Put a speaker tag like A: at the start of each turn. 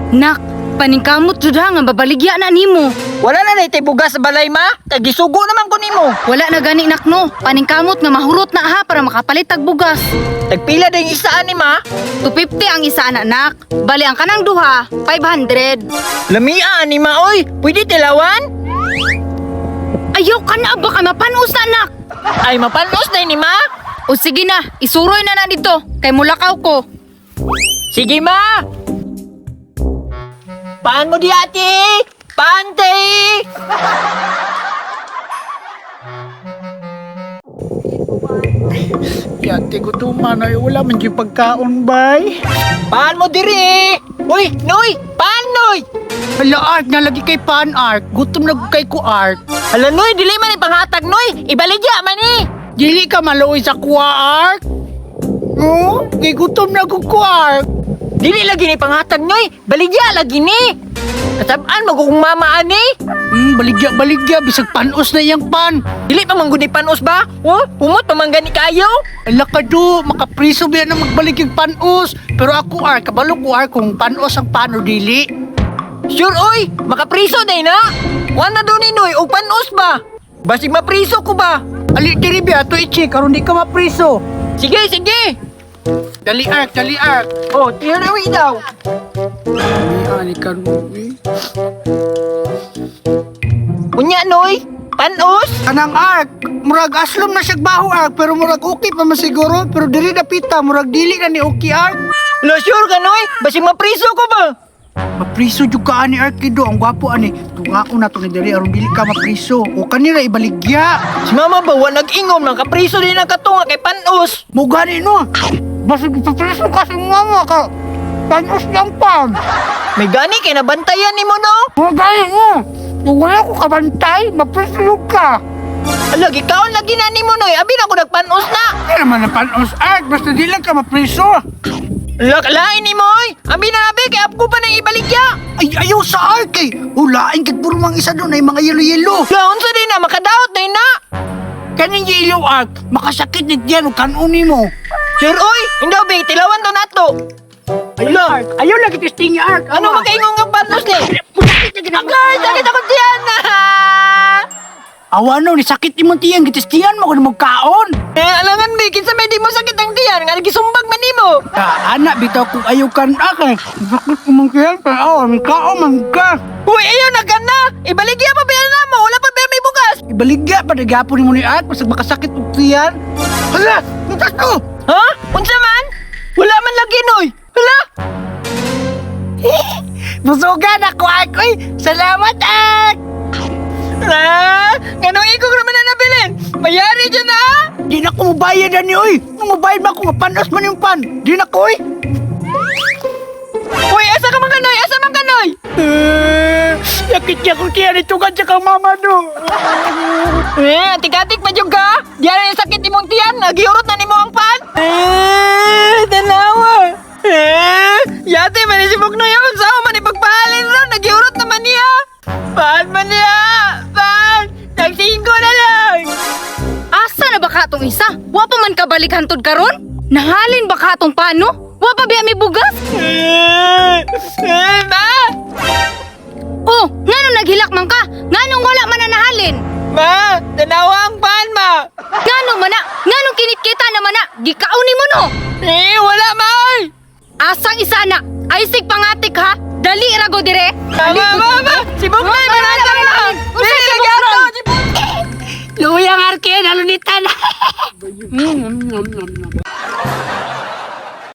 A: Nak, paningkamot jud ha nga babaligya na nimo.
B: Wala na naitay bugas sa balay ma. Kay gisugo naman ko nimo.
A: Wala na gani nak no. Paningkamot nga mahurot na ha para makapalit tag bugas.
B: Tagpila din isa ani ma.
A: 250 ang isa anak. Bali ang kanang duha, 500.
B: Lamia ani ma oy. Pwede tilawan?
A: Ayaw ka na baka mapanos na anak.
B: Ay mapanos na ni ma.
A: O sige na, isuroy na dito. Kay mulakaw ko.
B: Sige ma. Paan mo di ate? Pante!
C: Yate ko tuman ay wala man yung pagkaon bay.
B: Paan mo diri? Uy, Noy! Paan, Noy?
C: Hala Art, nalagi kay Pan Art. Gutom na kay ko Art.
B: Hala, Noy, dili man ipanghatag, Noy. Ibaligya man eh.
C: Dili ka maluoy sa kuwa Art. No, kay gutom na ko Art.
B: Dili lagi ni panghatag, Noy. Baligya lagi ni. Katabaan, magkukumamaan eh.
C: Baligya, bisag panos na yang pan.
B: Dili pa mangguni panos ba? Oh, humot pa manggani kayo.
C: Ala ka do, makapriso ba na magbalik yung panos. Pero ako Art, kabalo ko Art kung panos ang pano dili.
B: Sure, oy. Makapriso day na. Wala doon ni Noy, o panos ba? Basig mapriso ko ba?
C: Ali diri biya to ichi, karon di ka mapriso.
B: Sige, sige.
C: Dali Art.
B: Oh, tirawi daw.
C: Ani kan mo eh.
B: Unya, Noy. Panos?
C: Kanang Art, murag aslom na siya baho Art, pero murag okay pa masiguro, pero dili na pita, murag dili na ni okay Art.
B: Lo, sure ka, Noy. Basig mapriso ko ba?
C: Mapriso jud ka ani Art kido, ang gwapo ani. Tunga ko na to ni diri aron dili ka mapriso. O kanira ibaligya.
B: Si mama ba, wala nag-ingom ng kapriso din ang katunga kay panos.
C: Mo gani no. Basig papriso ka sa mama ka. Panos lang pan.
B: May gani kay nabantayan ni mo, no?
C: Mo gani mo. Kung wala ko kabantay, mapriso ka.
B: Lagi kaon lagi na ni mo, Noy. Abi na ako nagpanos na.
C: Kaya naman na panos Art, basta di lang ka mapriso.
B: Lain ni mo, oy. Abi na abi, kay apko pa nang ibaligya.
C: Ay, ayaw sa Art eh. Ulain kag puro mang isa doon ay mga yelo-yelo.
B: Laon sa din na, makadaot na na.
C: Kaning yelo Art, makasakit ni diyan o kanuni mo.
B: Sir, oy. Hindi, abi, tilawan to nato.
C: Ayaw lagi testing Art.
B: Ano makaingon nga panos ni? Agay, sakit ako diyan na.
C: Awa no, ni sakit ni mo tiyang gitistiyan mo kung magkaon.
B: Alangan, mi, kinsa may di mo sakit ang diyan. Nga nagisumbag man ni mo.
C: Anak, bitaw kung ayaw kan akay. Sakit ko man kaya, pero awan, kao man ka.
B: Uy, ayaw na ka na. Ibaligya pa ba na mo? Wala pa ba may bukas?
C: Ibaligya pa, nagapon ni mo ni Art, pasag makasakit ko tiyan. Hala, bukas to!
B: Ha? Unsa man? Wala man lagi, Noy. Hala?
C: Busugan ako, Art. Uy, salamat, Art!
B: Ganong ikog naman na nabilin. Mayari dyan na.
C: Di na ko mabayad ani, uy. Nung mabayad ba ako, nga panos man yung pan. Di na ko, uy.
B: Uy, asa ka man kanoy? Asa man kanoy?
C: Yakit niya kung tiyan ito ka kang mama do.
B: Tik-atik pa dyan ka. Diyan yung sakit imong tiyan. Nagiurot na ni mo ang pan. Tanawa. Yate, manisibok na yun. Saan man ipagpahalin ron? Nagiurot naman niya. Paan man niya? Paan? Nagsingko na lang.
A: Asa na ba katong isa? Wa pa man kabalik hantod karon? Nahalin ba katong pano? Wa pa biya may bugas?
B: Ma!
A: Oh, ngano naghilak man ka? Nganong wala man na nahalin?
B: Ma! Tanawa ang pan, ma!
A: Ngano man na? Nganong kinit-kita naman na? Gikauni mo no?
B: Wala, ma! Oy!
A: Asang isa na? Ay sig pangatik ha? Dali rago dire.
B: Ma! Sibok na! Manata na lang!
A: Unsa
B: Dili,
A: sibok
B: gato!
A: ron?
B: Sibok!
C: Luyang arkin, halunitan.